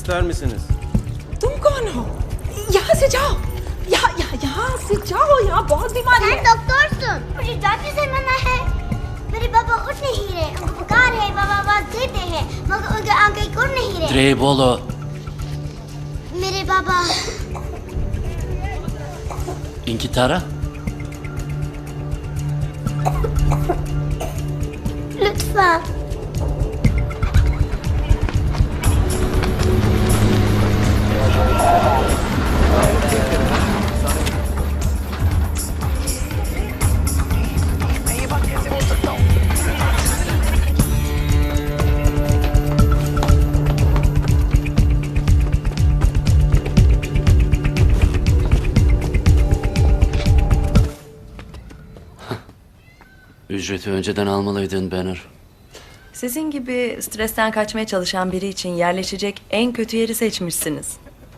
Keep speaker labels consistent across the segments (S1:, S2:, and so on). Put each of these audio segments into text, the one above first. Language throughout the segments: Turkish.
S1: ister misiniz?
S2: तुम कौन हो? यहाँ से जाओ। यहाँ से जाओ, यहाँ बहुत बीमारी
S3: sen
S2: है।
S3: doktorsun. मुझे डॉक्टर से मना है. मेरे पापा उठ नहीं रहे. उनको बुखार है. पापा आवाज देते हैं मगर उनके आंखें खुल नहीं रहे.
S4: Treybolo.
S3: मेरे पापा
S4: İnkitara.
S3: lütfen.
S4: Ücreti önceden almalıydın Banner.
S5: Sizin gibi stresten kaçmaya çalışan biri için yerleşecek en kötü yeri seçmişsiniz.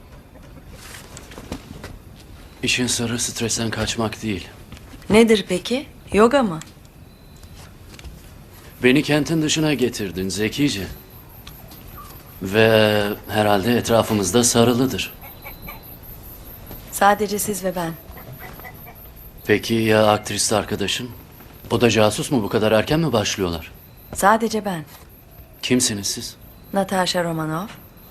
S4: İşin sırrı stresten kaçmak değil.
S5: Nedir peki? Yoga mı?
S4: Beni kentin dışına getirdin zekice. Ve herhalde etrafımızda sarılıdır.
S5: Sadece siz ve ben.
S4: Peki ya aktrist arkadaşın? O da casus mu? Bu kadar erken mi başlıyorlar?
S5: Sadece ben.
S4: Kimsiniz siz?
S5: Natasha Romanov.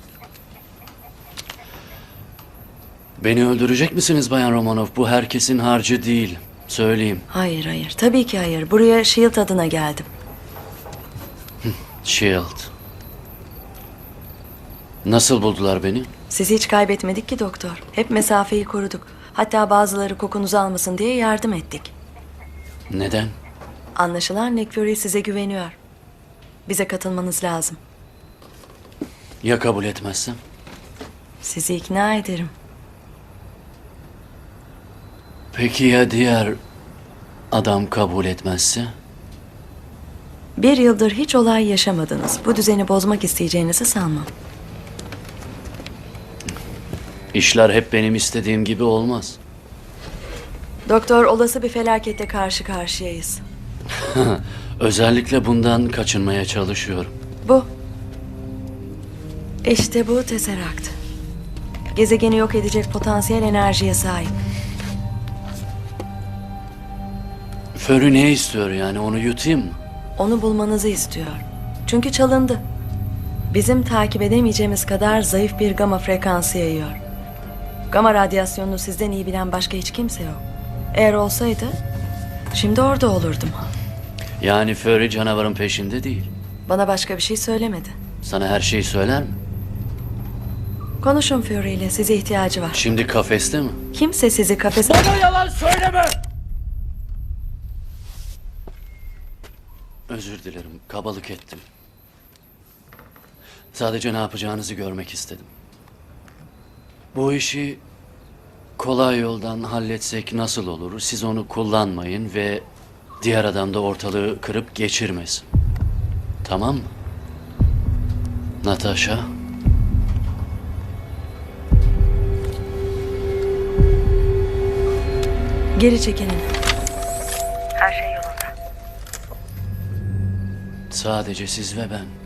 S4: Beni öldürecek misiniz Bayan Romanov? Bu herkesin harcı değil. Söyleyeyim.
S5: Hayır. Tabii ki hayır. Buraya Shield adına geldim.
S4: Shield. Nasıl buldular beni?
S5: Sizi hiç kaybetmedik ki doktor. Hep mesafeyi koruduk. Hatta bazıları kokunuzu almasın diye yardım ettik.
S4: Neden?
S5: Anlaşılan Nick Fury size güveniyor. Bize katılmanız lazım.
S4: Ya kabul etmezsem?
S5: Sizi ikna ederim.
S4: Peki ya diğer adam kabul etmezse?
S5: 1 yıldır hiç olay yaşamadınız. Bu düzeni bozmak isteyeceğinizi sanmam.
S4: İşler hep benim istediğim gibi olmaz.
S5: Doktor, olası bir felakette karşı karşıyayız.
S4: Özellikle bundan kaçınmaya çalışıyorum.
S5: Bu. İşte bu Tesseract. Gezegeni yok edecek potansiyel enerjiye sahip.
S4: Fury ne istiyor yani, onu yutayım mı?
S5: Onu bulmanızı istiyor. Çünkü çalındı. Bizim takip edemeyeceğimiz kadar zayıf bir gama frekansı yayıyor. Gama radyasyonunu sizden iyi bilen başka hiç kimse yok. Eğer olsaydı, şimdi orada olurdum.
S4: Yani Fury canavarın peşinde değil.
S5: Bana başka bir şey söylemedi.
S4: Sana her şeyi söyler mi?
S5: Konuşun Fury ile, size ihtiyacı var.
S4: Şimdi kafeste mi?
S5: Kimse sizi kafese...
S4: Bana yalan söyleme! Özür dilerim, kabalık ettim. Sadece ne yapacağınızı görmek istedim. Bu işi kolay yoldan halletsek nasıl olur? Siz onu kullanmayın ve diğer adam da ortalığı kırıp geçirmesin. Tamam mı? Natasha?
S5: Geri çekinin. Her şey yolunda.
S4: Sadece siz ve ben.